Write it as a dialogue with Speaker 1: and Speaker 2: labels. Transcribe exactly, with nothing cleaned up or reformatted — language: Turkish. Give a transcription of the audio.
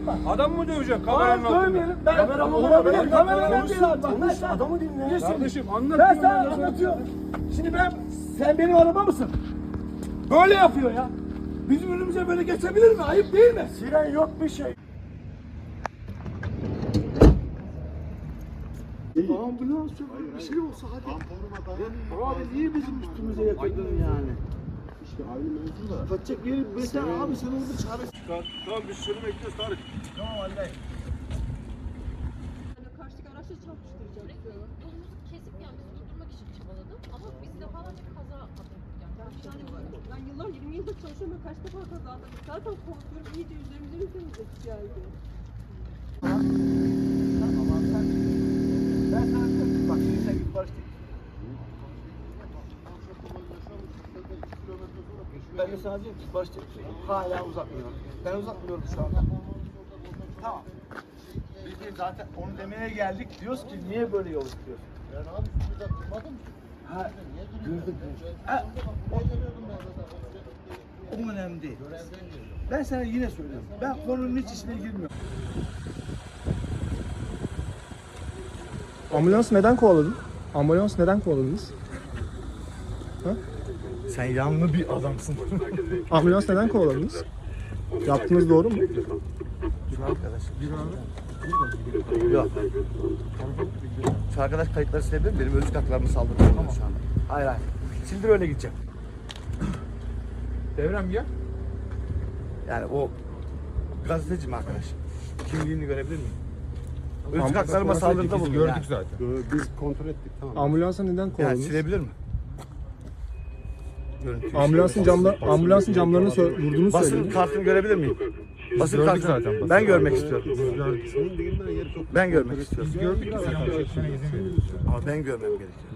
Speaker 1: yapma.
Speaker 2: Adam mı dövecek kameranın
Speaker 1: Hayır
Speaker 2: altında?
Speaker 1: dövmeyelim. Ben
Speaker 3: Kameraman
Speaker 1: olabilir.
Speaker 3: olabilir.
Speaker 1: Kameraman değil abi. Bak,
Speaker 3: Konuş,
Speaker 1: ben sana-
Speaker 3: adamı dinle.
Speaker 1: Kesin.
Speaker 2: Kardeşim anlat.
Speaker 1: Ben
Speaker 2: diyorum
Speaker 1: sana
Speaker 2: ya.
Speaker 1: anlatıyorum. Şimdi ben, sen benim araba mısın? Böyle yapıyor ya. Bizim önümüze böyle geçebilir mi? Ayıp değil mi?
Speaker 3: Siren yok bir şey. Ambulans yok, bir şey olsa hadi. Abi niye bizim üstümüze yatırdın yani? İşte aynı mevzu da. Kaçacak yeri mesela abi sen orada çare.
Speaker 2: Tamam biz seni bekliyoruz Tarık.
Speaker 3: Tamam vallahi.
Speaker 4: Karşıdaki araçla çarpıştıracak.
Speaker 5: Yolumuzu kesip yani bizi durdurmak için çabaladım ama biz defalarca kaza yaptık. Yani
Speaker 4: Ben yıllar yirmi yıldır çalışıyorum ve kaç defa kaza yaptık. Zaten korkuyorum iyice üzerimize mi temizlik geldi.
Speaker 3: Tamam abi sen. Ben sana diyorum bak şimdi sen git barıştık. Ben de sana diyorum ki barıştık. Hala uzatmıyorum. Ben uzatmıyorum şu anda. Tamam. Biz de zaten onu demeye geldik. Diyoruz ki niye böyle yol tutuyorsun? Ben abi sizi de durmadım ki. Ha, gördük. Ha, o, o önemli değil. Ben sana yine söylüyorum. Ben konunun hiç içine girmiyorum.
Speaker 6: Ambulans neden kovaladın? Ambulans neden kovaladınız? Ha?
Speaker 3: Sen yanlı bir adamsın.
Speaker 6: Ambulans neden kovaladınız? Yaptığınız doğru mu?
Speaker 3: Şu arkadaş. Yok. Şu arkadaş kayıtları silebilir mi? Benim özlük haklarımı saldırıyor şu anda. Hayır hayır. Sildir öyle gideceğim.
Speaker 2: Devrem gel.
Speaker 3: Yani o gazeteci mi arkadaş? Kimliğini görebilir miyim? Özlük haklarıma saldırıda bulunuyor.
Speaker 2: Gördük zaten.
Speaker 7: Biz kontrol ettik tamam.
Speaker 6: Ambulansa neden
Speaker 3: Yani
Speaker 6: kovaladınız?
Speaker 3: silebilir mi? Görüntüyü
Speaker 6: Ambulansın camla ambulansın camlarını sö- vurduğunu
Speaker 3: Basın
Speaker 6: söylediniz.
Speaker 3: kartını görebilir miyim? Basın
Speaker 2: gördük
Speaker 3: kartını.
Speaker 2: zaten, basın
Speaker 3: Ben görmek istiyorum.
Speaker 7: Gördük. Senin bilmen yeri çok.
Speaker 3: Ben görmek istiyorum.
Speaker 2: Biz gördük ki sen çekmene izin veriyorsun.
Speaker 3: Ama ben görmem gerekiyor.